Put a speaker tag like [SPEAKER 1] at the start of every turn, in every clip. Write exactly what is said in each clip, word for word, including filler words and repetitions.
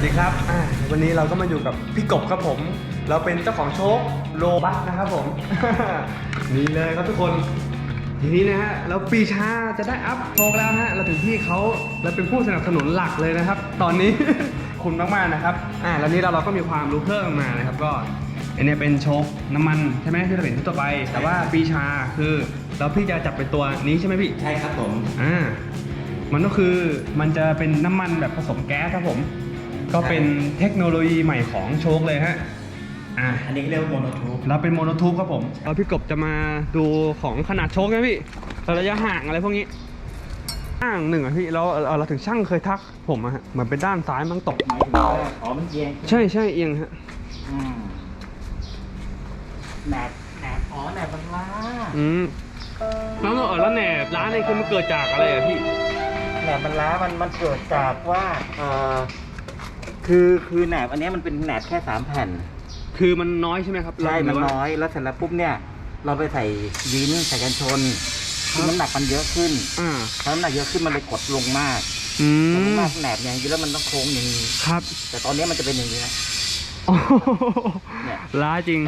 [SPEAKER 1] สดีครับวันนี้เราก็มาอยู่กับพี่กบครับผมเราเป็นเจ้าของโชคโรบัสนะครับผม นี่เลยครับทุกคนทีนี้นะฮะแล้วปีชาจะได้อัพโชคแล้วฮะเราถึงที่เขาเราเป็นผู้สนับสนุนหลักเลยนะครับ ตอนนี้ คุณมากๆนะครับอ่าแล้วนี้เราเราก็มีความรู้เพิ่มมานะครับก็อันนี้เป็นโชคน้ำมันใช่ไหมที่เราเห็นทั่วไปแต่ว่าปีชาคือเราพี่จะจับเป็นตัวนี้ใช่ไหมพี่
[SPEAKER 2] ใช่ครับผม
[SPEAKER 1] อ่ามันก็คือมันจะเป็นน้ำมันแบบผสมแก๊สครับผมก็เป็นเทคโนโลยีใหม่ของโชคเลยฮะอ่า
[SPEAKER 2] อันนี้เรียกว่าโมโนทูบ
[SPEAKER 1] เราเป็นโมโนทูบครับผมเราพี่กบจะมาดูของขนาดโชคนะพี่ระยะห่างอะไรพวกนี้ห่างหนึ่งอะพี่เราเราถึงช่างเคยทักผมอะฮะเหมือนเป็นด้านซ้ายมันตก
[SPEAKER 2] อ๋อมันเอียง
[SPEAKER 1] ใช่ใช่เอียงฮะ
[SPEAKER 2] แหนบแหนบอ๋อแหนบมันล้า
[SPEAKER 1] อืมแล้วเออแล้วแหนบล้าเนี่ยคือมันเกิดจากอะไรอะพี่
[SPEAKER 2] แหนบมันล้ามันมันเกิดจากว่าเออคือคือแหนบอันนี้มันเป็นแหนบแค่สามแผ่น
[SPEAKER 1] คือมันน้อยใช่ไหมครับ
[SPEAKER 2] ใช่มันน้อยแล้วเสร็จแล้วปุ๊บเนี่ยเราไปใส่ลิ้นใส่กันชนคือน้ำหนักมันเยอะขึ้น
[SPEAKER 1] อ่า
[SPEAKER 2] น้ำหนักเยอะขึ้นมันเลยกดลงมาก
[SPEAKER 1] อืม
[SPEAKER 2] มากแหนบอย่างนี้แล้วมันต้องโค้งอย่างนี้
[SPEAKER 1] ครับ
[SPEAKER 2] แต่ตอนนี้มันจะเป็นอย่างนี้นะ
[SPEAKER 1] ล้าจริง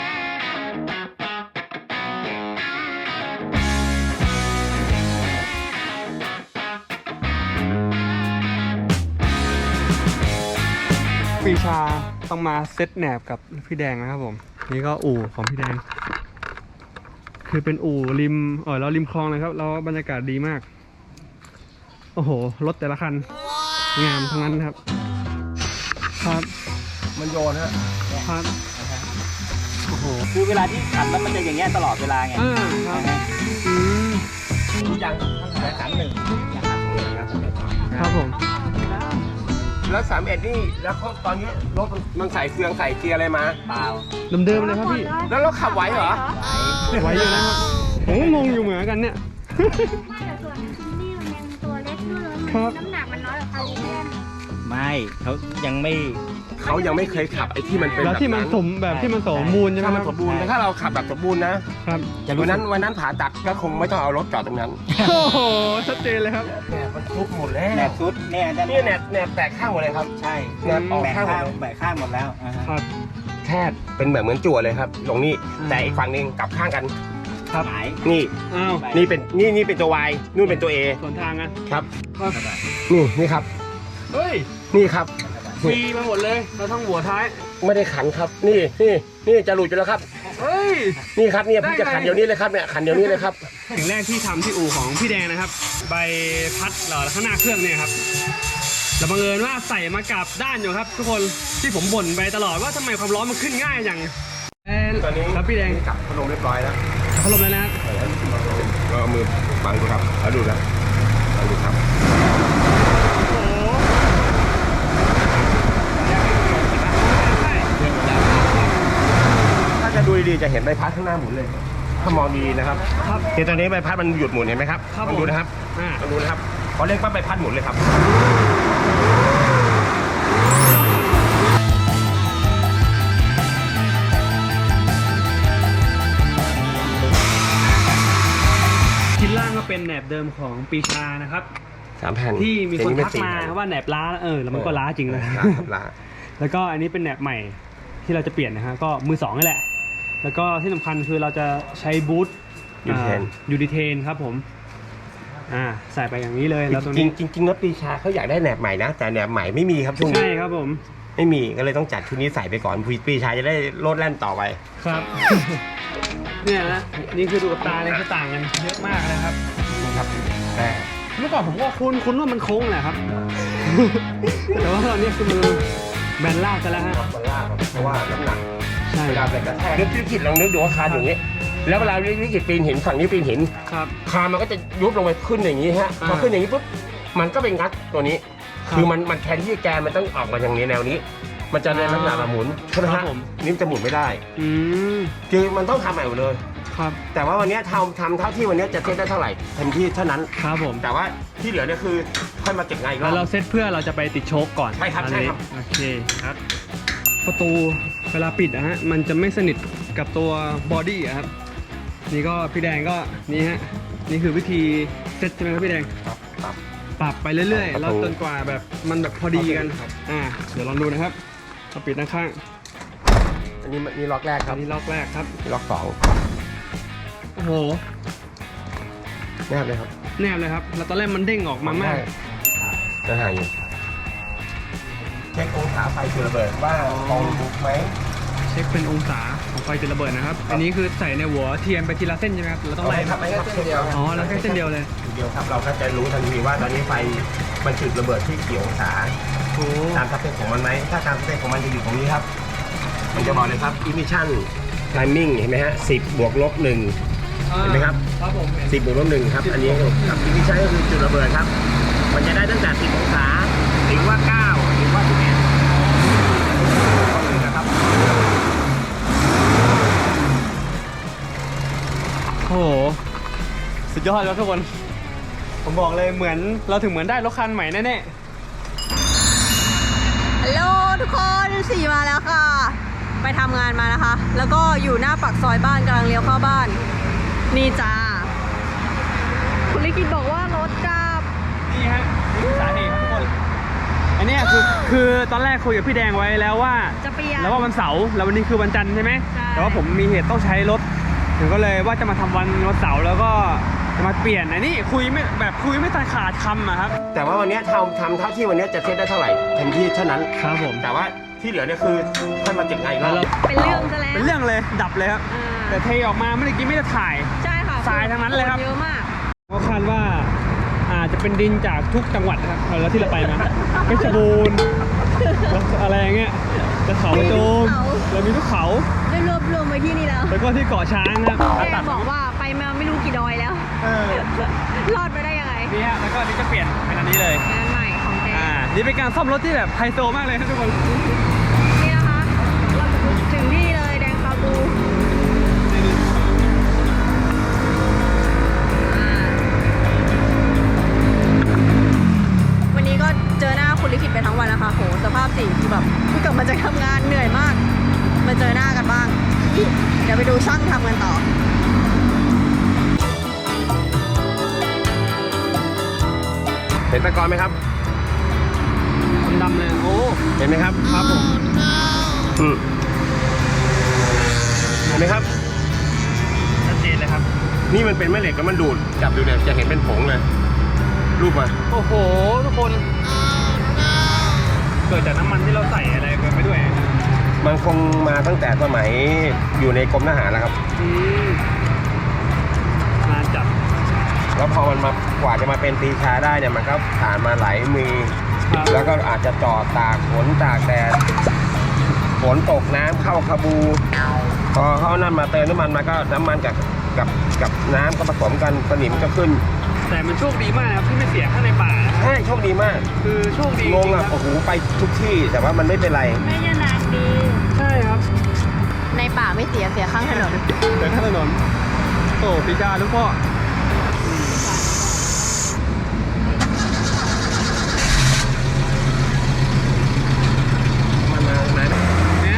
[SPEAKER 1] ปีชาต้องมาเซตแหนบกับพี่แดงนะครับผมนี่ก็อู่ของพี่แดงคือเป็นอู่ริมเออเราริมคลองเลยครับแล้วบรรยากาศดีมากโอ้โหรถแต่ละคันงามทั้งนั้นครับครับ
[SPEAKER 2] มันโยนฮะ
[SPEAKER 1] ครับ
[SPEAKER 2] โอ้โหคือเวลาที่ขับแล้วมันจะอย่างเงี้ยตลอดเวลาไง
[SPEAKER 1] อ่าครับอืม
[SPEAKER 2] อย่างสายสามหนึ่ง
[SPEAKER 1] ครับผม
[SPEAKER 3] แล้วสามเอ็ดนี่แล้วเขาตอนนี้รถมันใส่เฟืองใส่เกียร์อะไรมา
[SPEAKER 2] เปล่า
[SPEAKER 1] เดิมๆเลยครับพี่
[SPEAKER 3] แล้วเราขับไหวเหรอ
[SPEAKER 1] ไหวอยู่นะครับผมก็งงอยู่เหมือนกันเนี่ย
[SPEAKER 4] ไม่แต่ส่วนซินนี่มันยังตัวเล็กด้วยน้ำหนักมันน้อยกว่าคาริเบียน
[SPEAKER 2] ไม่เขายังไม่
[SPEAKER 3] เขายังไม่เคยขับไอ้ที่มันเป็น
[SPEAKER 1] แล้วที่มันสมแบบที่มันสมบูรณ์ใช่ไหม
[SPEAKER 3] ถ้ามันสมบูรณ์แต่ถ้าเราขับแบบสมบูรณ์นะครับวันนั้นวันนั้นผ่าตัดก็คงไม่ต้องเอารถจอดตรงนั้น
[SPEAKER 1] โอ้โหชัดเจนเลยครับ
[SPEAKER 3] แหนบมันทุบหมดแล้ว
[SPEAKER 2] แหนบซุดเนี่ย
[SPEAKER 3] นี่แหนบแหนบแตกข้างหมดเลยครับ
[SPEAKER 2] ใช่
[SPEAKER 3] แหนบออกข้างหมด
[SPEAKER 2] แบกข้างหมดแล้ว
[SPEAKER 1] ครับ
[SPEAKER 3] แทบเป็นแบบเหมือนจั่วเลยครับตรงนี้แต่อีกฝั่งนึงกลับข้างกัน
[SPEAKER 2] ครับ
[SPEAKER 3] นี่
[SPEAKER 1] อ้าว
[SPEAKER 3] นี่เป็นนี่นี่เป็นตัว Y นู่นเป็นตัว A
[SPEAKER 1] ส่วนทางกัน
[SPEAKER 3] ครับนี่นี่ครับ
[SPEAKER 1] เฮ้ย
[SPEAKER 3] นี่ครับ
[SPEAKER 1] ฟรีมาหมดเลยเราต้องหัวท้าย
[SPEAKER 3] ไม่ได้ขันครับนี่นี่นี่จะหลุดอยู่แล้วครับ
[SPEAKER 1] เฮ้ย
[SPEAKER 3] นี่ครับเนี่ยพี่จะขันเดี๋ยวนี้เลยครับเนี่ยขันเดี๋ยวนี้เลยครับ
[SPEAKER 1] สิ่งแรกที่ทำที่อู่ของพี่แดงนะครับใบพัดหล่อข้างหน้าเครื่องเนี่ยครับแล้วบังเอิญว่าใส่มากับด้านอยู่ครับทุกคนที่ผมบ่นไปตลอดว่าทำไมความร้อนมันขึ้นง่ายอย่าง
[SPEAKER 3] ตอนนี้
[SPEAKER 1] แล้วพี่แดง
[SPEAKER 3] กลับพัดลมเรียบร้อยแล้ว
[SPEAKER 1] พัดลมแล้วนะ
[SPEAKER 3] ก็เอามือบังดูครับแล้วดูนะบังดูครับถ้าจะดูดีๆจะเห็นใบพัดข้างหน้าหมุนเลยถ้ามองดีนะครับเห็นตอนนี้ใบพัดมันหยุดหมุนเห็นไหมครับลองดูนะครับลองดูนะครับพอเร่งปั๊บใบพัดหมุนเลยครับ
[SPEAKER 1] ชิ้นล่างก็เป็นแหนบเดิมของปีชานะครับ
[SPEAKER 3] สามแผ่น
[SPEAKER 1] ที่มีคนทักมาว่าแหนบล้าเออแล้วมันก็ล้าจริงเลย
[SPEAKER 3] ล้า
[SPEAKER 1] แล้วก็อันนี้เป็นแหนบใหม่ที่เราจะเปลี่ยนนะฮะก็มือสองนี่แหละแล้วก็ที่สำคัญคือเราจะใช้บูท
[SPEAKER 3] ยูดีเทน
[SPEAKER 1] ยูดีเทนครับผมอ่าใส่ไปอย่างนี้เลยแล้วตรงนี้
[SPEAKER 3] จริงจริงๆแล้วปีชาเขาอยากได้แหนบใหม่นะแต่แหนบใหม่ไม่มีครับช่วงนี้
[SPEAKER 1] ใช่ครับผม
[SPEAKER 3] ไม่มีก็เลยต้องจัดชุดนี้ใส่ไปก่อนปีชาจะได้โลดแล่นต่อไป
[SPEAKER 1] ครับเนี่ยนะนี่คือดูตาเลยคือต่างกันเยอะมากนะครับ
[SPEAKER 3] นี่ครับแต่
[SPEAKER 1] เมื่อก่อนผมว่าคุณคุณว่ามันโค้งแหละครับแต่ว่าตอนนี้คือมือแบนลากกันแล้วฮะ
[SPEAKER 3] มันลากเพราะว่าน้ำหนัก
[SPEAKER 1] ใช่
[SPEAKER 3] เวลาไปกระแทกนึกวิกฤตลองนึกดูว่าคานอย่างนี้แล้วเวลาวิกฤตปีนหินฝั่งนี้ปีนหิน
[SPEAKER 1] ครับ
[SPEAKER 3] คานมันก็จะยุบลงไปขึ้นอย่างนี้ฮะพอขึ้นอย่างนี้ปุ๊บมันก็เป็นงัดตัวนี้คือมันมันแทนที่แกนมันต้องออกมาอย่างนี้แนวนี้มันจะในลักษณะแบบหมุนใช่ไหมฮะนี่จะหมุนไม่ได้
[SPEAKER 1] อืม
[SPEAKER 3] คือมันต้องทำใหม่หมดเลย
[SPEAKER 1] ครับ
[SPEAKER 3] แต่ว่าวันนี้ทำทำเท่าที่วันนี้จะเซตได้เท่าไหร่เต็มที่เท่านั้น
[SPEAKER 1] ครับผม
[SPEAKER 3] แต่ว่าที่เหลือเนี่ยคือค่อยมาเก็บงานอีกรอบ
[SPEAKER 1] แล้วเราเซตเพื่อเราจะไปติดโชคก่อน
[SPEAKER 3] ใช่ครับใช่ครับ
[SPEAKER 1] โอเคครับประตูเวลาปิดนะฮะมันจะไม่สนิทกับตัวบอดี้ครับนี่ก็พี่แดงก็นี่ฮะนี่คือวิธีเซตใช่ไหมครับพี่แดง
[SPEAKER 3] ครับครับ
[SPEAKER 1] ปรับไปเรื่อยๆแล้วจนกว่าแบบมันแบบพอดีกันอ่าเดี๋ยวลองดูนะครับเราปิดด้านข้าง
[SPEAKER 3] อันนี้นี่ล็อกแรกค
[SPEAKER 1] อั
[SPEAKER 3] รับ
[SPEAKER 1] นนี้ล็อกแรกครับ
[SPEAKER 3] นี่ล็อกสอง
[SPEAKER 1] โอ้โห
[SPEAKER 3] แนบเลยครับ
[SPEAKER 1] แนบเลยครับแล้วตอนแรกมันเด้งออกมามาก
[SPEAKER 3] จะห่างอยู่เช็คองศาไฟจุดระเบิดว่าตรงบุกไหม
[SPEAKER 1] เช็คเป็นองศาของไฟจุดระเบิดนะครับอันนี้คือใส่ในหัวเทียนไปทีละเส้นใช่ไหมครับเราต้องไล่
[SPEAKER 3] ครับไม่ครับเส้นเดียว
[SPEAKER 1] อ๋อแล้วแค่เส้นเดียวเลย
[SPEAKER 3] เดียวครับเราก็จะรู้ทันทีว่าตอนนี้ไฟมันจุดระเบิดที่กี่องศา
[SPEAKER 1] โอ้
[SPEAKER 3] ตามสเปคของมันไหมถ้าตามสเปคของมันจะอยู่ตรงนี้ครับมันจะบอกเลยครับ emission timing เห็นไหมฮะสิบบวกลบหนึ่ง เห็นไหมครับ
[SPEAKER 1] ครับผมเห็น
[SPEAKER 3] สิบบวกลบหนึ่งครับอันนี้ครับ emission ก็คือจุดระเบิดครับ มันจะได้ตั้งแต่สิบองศาถึงว่าเก้าถึงว่าสิบเอ็ดนะครับ
[SPEAKER 1] โอ้โหสุดยอดแล้วทุกคน ผมบอกเลยเหมือนเราถึงเหมือนได้รถคันใหม่แน่
[SPEAKER 5] ฮัลโหลทุกคนสี่มาแล้วค่ะ ไปทำงานมานะคะ แล้วก็อยู่หน้าปากซอยบ้านกำลังเลี้ยวเข้าบ้าน นี่จ้าคุณลิขิตบอกว่ารถดับ
[SPEAKER 1] ๆนี่ฮะนี่คือสาเหตุครับทุกคนอันเนี้ยคือคือตอนแรกคุยกับพี่แดงไว้แล้วว่า
[SPEAKER 5] จะเปลี่ยน
[SPEAKER 1] แล้วว่าวันเสาร์แล้ววันนี้คือวันจันทร์ใช่ไหม
[SPEAKER 5] ใช่
[SPEAKER 1] แต่ว่าผมมีเหตุต้องใช้รถถึงก็เลยว่าจะมาทำวันวันเสาร์แล้วก็จะมาเปลี่ยนอันนี้คุยไม่แบบคุยไม่ตัดขาดคำอะครับ
[SPEAKER 3] แต่ว่าวันนี้ทำทำเท่าที่วันนี้จะเทสได้เท่าไหร่เต็มที่เท่านั้น
[SPEAKER 1] ครับผม
[SPEAKER 3] แต่ว่าที่เหลือเนี่ยคือค่อยมาเก็บงานอีกรอบ
[SPEAKER 5] เป็นเรื่องซะแล้ว
[SPEAKER 1] เป็นเรื่องเลยดับเลยครับ
[SPEAKER 5] อ่า
[SPEAKER 1] แต่เทออกมาเมื่อกี้ไม่ได้ถ่าย
[SPEAKER 5] ใช่ค่ะ
[SPEAKER 1] ทรายทั้งนั้นเลยครับ
[SPEAKER 5] เยอะมาก
[SPEAKER 1] ก็คาดว่าอาจจะเป็นดินจากทุกจังหวัดนะครับแล้วที่เราไปมาเพชรบูรณ์แล้วอะไรอย่างเงี้ยจะเขาโจมเรามีทุกเขา
[SPEAKER 5] ได้รวบรวมไว้ที่นี่แล้ว
[SPEAKER 1] แล้วก็ที่เกาะช้างครับ
[SPEAKER 5] แกบอกว่าไปมาไม่รู้กี่ดอยแล้ว
[SPEAKER 1] เออ
[SPEAKER 5] รอดไปได้ยังไง
[SPEAKER 1] นี่ฮะแล้วก็นี่จะเปลี่ยนเป็นอันนี้เลย
[SPEAKER 5] งานใหม่ของแก
[SPEAKER 1] อ่านี่เป็นการซ่อมรถที่แบบไฮโซมากเลยครับทุกคน
[SPEAKER 5] นี่นะคะเราถึงที่เลยแดงคาบูวันนี้ก็เจอหน้าคุณลิขิตไปทั้งวันนะคะโหสภาพสีคือแบบเพิ่งกลับมาจากทำงานเหนื่อยมาก มาเจอหน้ากันบ้างอิ๊ะเดี๋ยวไปดูช่างทำกันต่อ
[SPEAKER 3] เห็นตะกอนไหมครับ
[SPEAKER 1] ดำๆเลยโอ้
[SPEAKER 3] เห็นไหมครับ
[SPEAKER 1] ครับผม
[SPEAKER 3] อืมเห็นไหมครับ
[SPEAKER 1] ชัดเจนเลยครับ
[SPEAKER 3] นี่มันเป็นแม่เหล็กแล้วมันดูดจับดูเนี่ยจะเห็นเป็นผงเลย รูปมา
[SPEAKER 1] โอ้โหทุกคนเกิดจากน้ำมันที่เราใส่อะไรไปด้วย
[SPEAKER 3] มันคงมาตั้งแต่สมัยอยู่ในกรมทหารแล้วครับ
[SPEAKER 1] อืมนานจัด
[SPEAKER 3] แล้วพอมันมากว่าจะมาเป็นปีชาได้เนี่ยมันก็ผ่านมาหลายมือ
[SPEAKER 1] ครับ
[SPEAKER 3] แล้วก็อาจจะจอดตากฝนตากแดดฝนตกน้ำเข้าคาบู พอเขานั่นมาเติมน้ำมันมาก็น้ำมันกับกับกับน้ำก็ผสมกันสนิมก็ขึ้น
[SPEAKER 1] แต่มันโชคดีมากนะครับที่ไม่เสียข้างในป่านะครับ
[SPEAKER 3] ใช่โชคดีมาก
[SPEAKER 1] คือโชคดี
[SPEAKER 3] งง
[SPEAKER 1] จริ
[SPEAKER 3] อ่ะ
[SPEAKER 1] ๆครับ
[SPEAKER 3] โอ้โหไปทุกที่แต่ว่ามันไม่เป็นไร
[SPEAKER 5] ไม่ยานานดี
[SPEAKER 1] ใช่ครับ
[SPEAKER 5] ในป่าไม่เสียเสียข้างถนน
[SPEAKER 1] เดินข้างถนนโอ้พี่ชาลูกพ่อมันมาไหนเนี่ย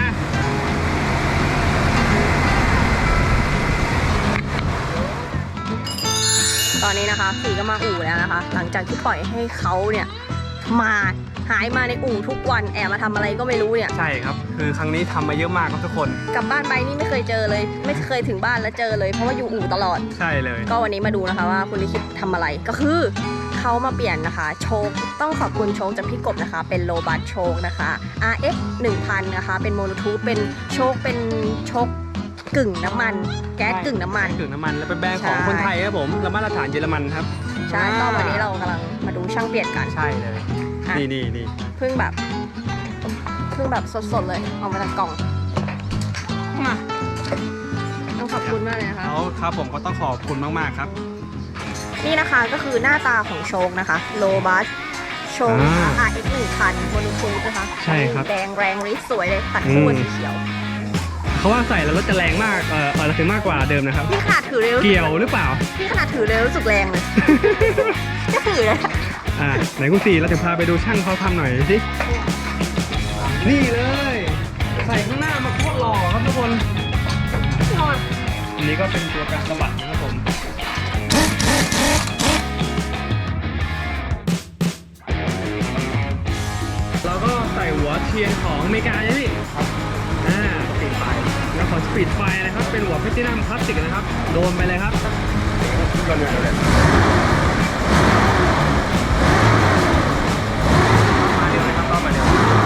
[SPEAKER 5] ตอนนี้นะคะสีก็มาอู่แล้วนะคะ หลังจากที่ปล่อยให้เขาเนี่ยมาหายมาในอู่ทุกวันแอบมาทำอะไรก็ไม่รู้เนี่ย
[SPEAKER 1] ใช่ครับ คือครั้งนี้ทำมาเยอะมากครับทุกคน
[SPEAKER 5] กลับบ้านไปนี่ไม่เคยเจอเลย ไม่เคยถึงบ้านแล้วเจอเลยเพราะว่าอยู่อู่ตลอด
[SPEAKER 1] ใช่เลย
[SPEAKER 5] ก็วันนี้มาดูนะคะว่าคุณลิขิตทำอะไรก็คือเขามาเปลี่ยนนะคะโชคต้องขอบคุณโชคจากพี่กบนะคะ เป็นโลบัสโชคนะคะ อาร์ เอ็กซ์ หนึ่งพัน นะคะเป็นโมโนทูธเป็นโชคเป็นโชคกึ่งน้ำมัน แก๊สกึ่งน้ำมัน
[SPEAKER 1] กึ่งน้ำมันแล้วเป็นแบรนด์ของ
[SPEAKER 5] ใช่
[SPEAKER 1] คนไทยครับผมแล้วมาตรฐานเยอรมันครับ
[SPEAKER 5] ใช่ก็วันนี้เรากำลังมาดูช่างเปลี่ยนกัน
[SPEAKER 1] ใช่เลย
[SPEAKER 5] อ่ะ
[SPEAKER 1] นี่นี่นี่
[SPEAKER 5] เพิ่งแบบเพิ่งแบบสดๆเลยออกมาจากกล่อง
[SPEAKER 1] มา
[SPEAKER 5] ต้องขอบคุณมากเลยนะคะ
[SPEAKER 1] เอาครับผมก็ต้องขอบคุณมากๆครับ
[SPEAKER 5] นี่นะคะก็คือหน้าตาของโชคนะคะโลบัสโชค
[SPEAKER 1] อ่า
[SPEAKER 5] อาร์ เอ็กซ์ หนึ่งพัน โมโนทูธนะคะ
[SPEAKER 1] ใช่ครับ
[SPEAKER 5] แดงแรงริสสวยเลยตัดคู่กับสีเขียว
[SPEAKER 1] เขาว่าใส่แล้วรถจะแรงมากเออเออถึงมากกว่าเดิมนะครับ
[SPEAKER 5] นี่ขนาดถือเร็ว
[SPEAKER 1] เกี่ยวหรือเปล่า
[SPEAKER 5] นี่ขนาดถือเร็วรู้สึกแรงเลย ก็ถือเลย
[SPEAKER 1] อ่าไหนคุณสี่เราจะพาไปดูช่างเขาทำหน่อยสินี่เลย ใส่ข้างหน้ามาโคตรหล่อครับทุกคนอันนี้ก็เป็นตัวการสวัสดนะครับผมหัวเทียนของอเมริกาใช่ไหมพี่ครับอ่าสปีดไฟแล้วของสปีดไฟนะครับเป็นหัวแพลตินัมพลาสติกนะครับโดนไปเลยครับ
[SPEAKER 3] ขึ้นมาเลยเลย
[SPEAKER 1] มาเร็วเลยครับต้อมาเร็ว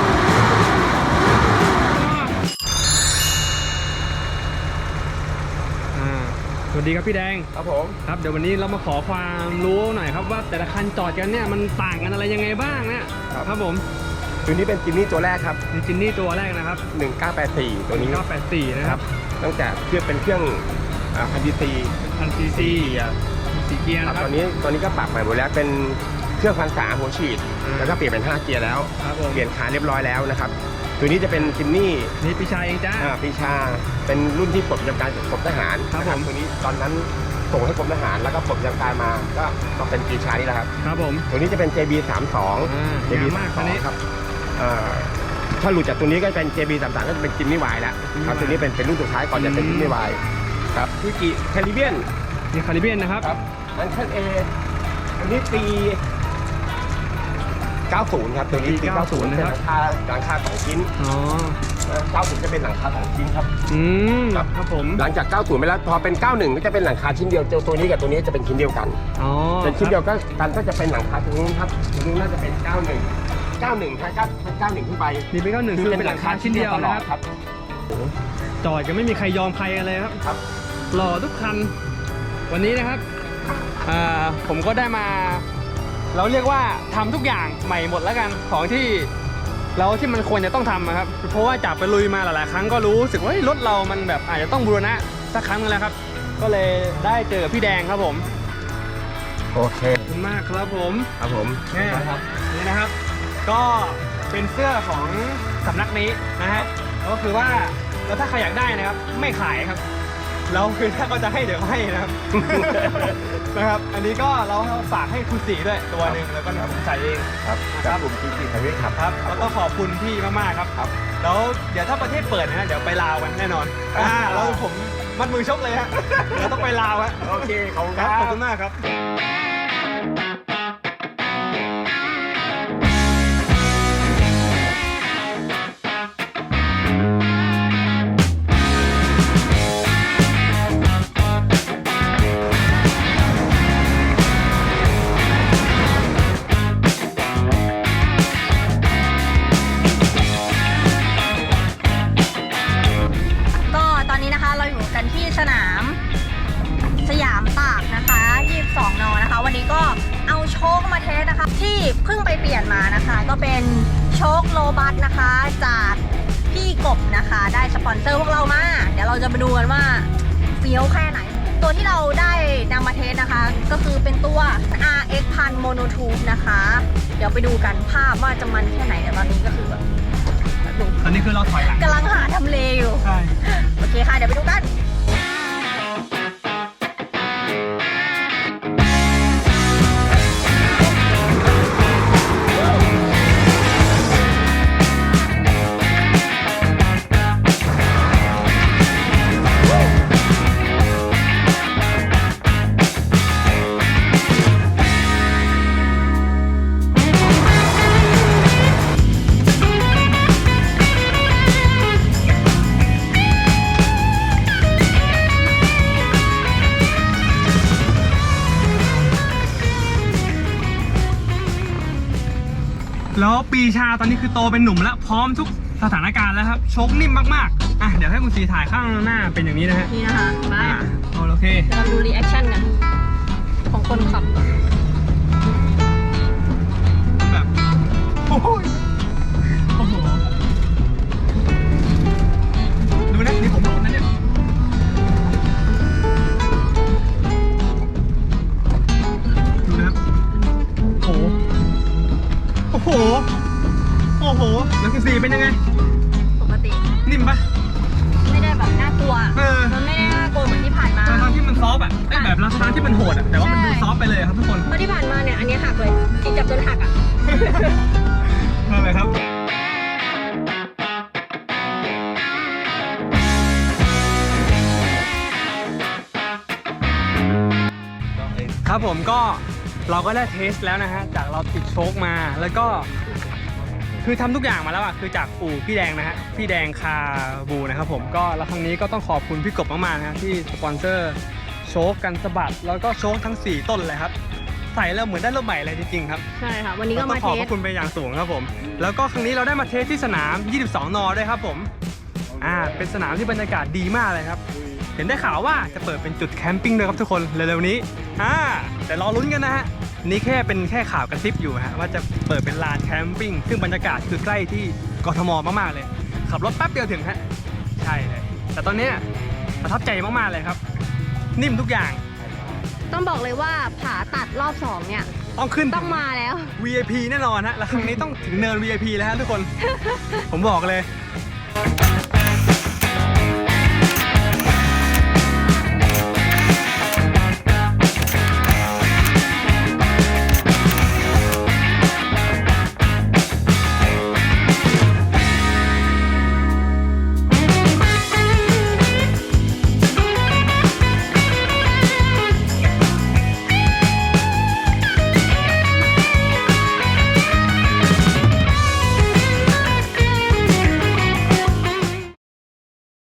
[SPEAKER 1] อ่าสวัสดีครับพี่แดง
[SPEAKER 3] ครับผม
[SPEAKER 1] ครับเดี๋ยววันนี้เรามาขอความรู้หน่อยครับว่าแต่ละคันจอดกันเนี่ยมันต่างกันอะไรยังไงบ้างเนี่ยครับผม
[SPEAKER 3] ตัวนี้เป็นจินนี่ตัวแรกครับ
[SPEAKER 1] นี่จินนี่ตัวแรกนะครับ
[SPEAKER 3] หนึ่งเก้าแปดสี่ตัวนี้
[SPEAKER 1] เก้าแปดสี่นะครับ
[SPEAKER 3] ตั้งแต่เครื่องเป็นเครื่องพันดีซี
[SPEAKER 1] พันซีซีสี่เกียร์
[SPEAKER 3] ครับ
[SPEAKER 1] นะค
[SPEAKER 3] ต
[SPEAKER 1] รับ
[SPEAKER 3] อนนี้ตอนนี้ก็ปรับใหม่หมดแล้วเป็นเครื่องพันสามหัวฉีด
[SPEAKER 1] อืม
[SPEAKER 3] แล้วก็เปลี่ยนเป็นห้าเกียร์แล้ว
[SPEAKER 1] ครับผม
[SPEAKER 3] เปลี่ยนคานเรียบร้อยแล้วนะครับตัวนี้จะเป็นจินนี่
[SPEAKER 1] นี่ปีชาเองจ้า
[SPEAKER 3] อ่าปีชาเป็นรุ่นที่ปลดประจำการจากกรมทหาร
[SPEAKER 1] ครับ
[SPEAKER 3] นะ
[SPEAKER 1] ผม
[SPEAKER 3] ตัวนี้ตอนนั้นส่งให้กรมทหารแล้วก็ปลดประจำการมาก็มาเป็นปีชานี่แหละครับ
[SPEAKER 1] ครับผม
[SPEAKER 3] ตัวนี้จะเป็น เจ บี สามสิบสอง
[SPEAKER 1] อ่า
[SPEAKER 3] เจ บี
[SPEAKER 1] ยาวมากคันนี้
[SPEAKER 3] ครับอ่าถ้าหลุดจากตัวนี้ก็เป็น เจ บี สามสิบสามก็จะเป็นจินนี่วายแล้วครับตัวนี้เป็นเป็นรุ่นสุดท้ายก่อนจะเป็นจินนี่วายครับที่กี่แคริเบียน
[SPEAKER 1] นี่คาริเบียนนะครับ
[SPEAKER 3] ครับอันขั้นเออันนี้ปีเก้าสิบครับตัวนี้
[SPEAKER 1] ปี
[SPEAKER 3] ปี
[SPEAKER 1] เก้าสิบ
[SPEAKER 3] เก้าสิบ
[SPEAKER 1] นะ
[SPEAKER 3] เป็น
[SPEAKER 1] ค
[SPEAKER 3] ห
[SPEAKER 1] รับ
[SPEAKER 3] ลังคาหลังคาสองชิ้น
[SPEAKER 1] อ๋อ
[SPEAKER 3] เอ่อเก้าสิบจะเป็นหลังคาสองชิ้นครับ
[SPEAKER 1] อืม
[SPEAKER 3] ครับ
[SPEAKER 1] ครับผม
[SPEAKER 3] หลังจากเก้าสิบไปแล้วพอเป็นเก้าสิบเอ็ดก็จะเป็นหลังคาชิ้นเดียวเจอตัวนี้กับตัวนี้จะเป็นชิ้นเดียวกัน
[SPEAKER 1] อ๋อ
[SPEAKER 3] เป็นชิ้นเดียวกันกันก็จะเป็นหลังคาตรงนู้นครับตรงนู้นน่าจะเป็นเก้าสิบเอ็ด เก้าสิบเอ็ดถ้าเก้าเก้าสิบเอ็ดขึ้นไป
[SPEAKER 1] นี่เป็นเก้าหนึ่งคือเป็นหลังคาชิ้นเดียว
[SPEAKER 3] ตลอ
[SPEAKER 1] นะ
[SPEAKER 3] ด
[SPEAKER 1] ครับ
[SPEAKER 3] ครับ
[SPEAKER 1] จอดกันไม่มีใครยอมใครกันเลยครับ
[SPEAKER 3] ครับ
[SPEAKER 1] หล่อทุกคัน วันนี้นะครับอ่าผมก็ได้มา เราเรียกว่าทำทุกอย่างใหม่หมดแล้วกันของที่เราที่มันควรจะต้องทำนะครับ เพราะว่าจากไปลุยมาหลายๆครั้งก็รู้สึกว่าเฮ้ยรถเรามันแบบอาจจะต้องบูรณะสักครั้งนึงแล้วครับ ก็เลยได้เจอกับพี่แดงครับผม
[SPEAKER 3] โอเค
[SPEAKER 1] ขอบคุณมากครับผม
[SPEAKER 3] ครับผม
[SPEAKER 1] นี่นะครับนี่นะครับ ก็เป็นเสื้อของสำนักนี้นะฮะก็คือว่าแล้วถ้าใครอยากได้นะครับ ไม่ขายครับเราคือถ้าเขาจะให้เดี๋ยวให้นะครับ นะครับ อันนี้ก็เราฝากให้คุณสีด้วยตัวหนึ่งแล้วก็นี่ผมใส่เอง
[SPEAKER 3] ครับ
[SPEAKER 1] ค
[SPEAKER 3] ค
[SPEAKER 1] รั
[SPEAKER 3] รับ บผมจริงๆครับครับ
[SPEAKER 1] ครับแล้วก็ขอบคุณพี่มากๆครับ
[SPEAKER 3] ครับ
[SPEAKER 1] แล้วเดี๋ยวถ้าประเทศเปิดนะฮะเดี๋ยวไปลาวกันแน่นอนอ่าเราผมมัดมือชกเลยฮะเราต้องไปลาวฮะ
[SPEAKER 3] โอเคขอบคุณ
[SPEAKER 1] ค
[SPEAKER 3] ค
[SPEAKER 1] รั
[SPEAKER 3] รั
[SPEAKER 1] บบ ขอบคุณมากครับ
[SPEAKER 5] ก็ตอนนี้นะคะเราอยู่กันที่สนามสยามตากนะคะยี่สิบสอง นนะคะ วันนี้ก็เอาโชคมาเทสนะคะ ที่เพิ่งไปเปลี่ยนมานะคะ ก็เป็นโชคโลบัสนะคะจากพี่กบนะคะ ได้สปอนเซอร์พวกเรามา เดี๋ยวเราจะไปดูกันว่าเฟี้ยวแค่ไหน ตัวที่เราได้นำมาเทสนะคะ ก็คือเป็นตัว อาร์ เอ็กซ์ พัน Monotube นะคะ เดี๋ยวไปดูกันภาพว่าจะมันแค่ไหนแต่ตอนนี้ก็คือแบบดู
[SPEAKER 1] ตอนนี้คือเราถอยหลัง
[SPEAKER 5] กำลังหาทำเลอยู่
[SPEAKER 1] ใช่
[SPEAKER 5] โอเคค่ะ เดี๋ยวไปดูกัน
[SPEAKER 1] แล้วปีชาตอนนี้คือโตเป็นหนุ่มแล้วพร้อมทุกสถานการณ์แล้วครับโชคนิ่มมากๆอ่ะเดี๋ยวให้คุณสีถ่ายข้างหน้าเป็นอย่างนี้นะฮะ
[SPEAKER 5] นี่นะคะมา
[SPEAKER 1] อ่ะโอเค
[SPEAKER 5] เดี๋ยวเราดูรีแอคชั่นกัน ของคนขับ
[SPEAKER 1] แบบโอ้โหโอ้โหดูนะนี่ผมลงนะเนี่ยดูนะครับโอ้โหโอ้โหโอ้โหแล้วคุณสีเป็นยังไง
[SPEAKER 5] ปกติ
[SPEAKER 1] นิ่มปะ
[SPEAKER 5] ไม่ได้แบบน่ากลัว
[SPEAKER 1] เออ
[SPEAKER 5] มันไม่ได้น่ากลัวเหมือนที่ผ่านมา
[SPEAKER 1] ทางที่มันซอฟต์อ่ะไอ้แบบราคาที่มันโหดอ่ะแต่ว่ามันดูซอฟต์ไปเลยครับทุกคน
[SPEAKER 5] เพราะที่ผ่านมาเนี่ย อันนี้หักเลยจิตจับจนหักอ่ะ
[SPEAKER 1] ทำไมครับครับผมก็เราก็ได้เทสแล้วนะฮะจากเราติดโชคมาแล้วก็คือทำทุกอย่างมาแล้วอ่ะคือจากอู่พี่แดงนะฮะพี่แดงคาบูนะครับผมก็แล้วครั้งนี้ก็ต้องขอบคุณพี่กบมากๆนะฮะที่สปอนเซอร์โชคกันสะบัดแล้วก็โชคทั้งสี่ต้นเลยครับใส่แล้วเหมือนได้รถใหม่เลยจริงๆครับ
[SPEAKER 5] ใช่ค่ะ วันนี้ก็
[SPEAKER 1] ต้
[SPEAKER 5] มา
[SPEAKER 1] องขอบ
[SPEAKER 5] เท
[SPEAKER 1] พ
[SPEAKER 5] ส
[SPEAKER 1] ระคุณไปอย่างสูงครับผมแล้วก็ครั้งนี้เราได้มาเทสที่สนาม ยี่สิบสอง นด้วยครับผมอ่าเป็นสนามที่บรรยากาศดีมากเลยครับเห็นได้ข่าวว่าจะเปิดเป็นจุดแคมปิ้งด้วยครับทุกคนเร็วๆนี้อ่าแต่รอลุ้นกันนะฮะนี่แค่เป็นแค่ข่าวกระซิบอยู่ฮะว่าจะเปิดเป็นลานแคมปิ้งซึ่งบรรยากาศคือใกล้ที่กทมมากๆเลยขับรถแป๊บเดียวถึงฮะใช่เลยแต่ตอนเนี้ยประทับใจมากๆเลยครับนิ่มทุกอย่าง
[SPEAKER 5] ต้องบอกเลยว่าผาตัดรอบสองเนี่ย
[SPEAKER 1] ต้องขึ้น
[SPEAKER 5] ต้องมาแล้ว
[SPEAKER 1] วี ไอ พี แน่นอนฮะแล้วครั้งนี้ต้องถึงเนิน วี ไอ พี แล้วฮะทุกคน ผมบอกเลย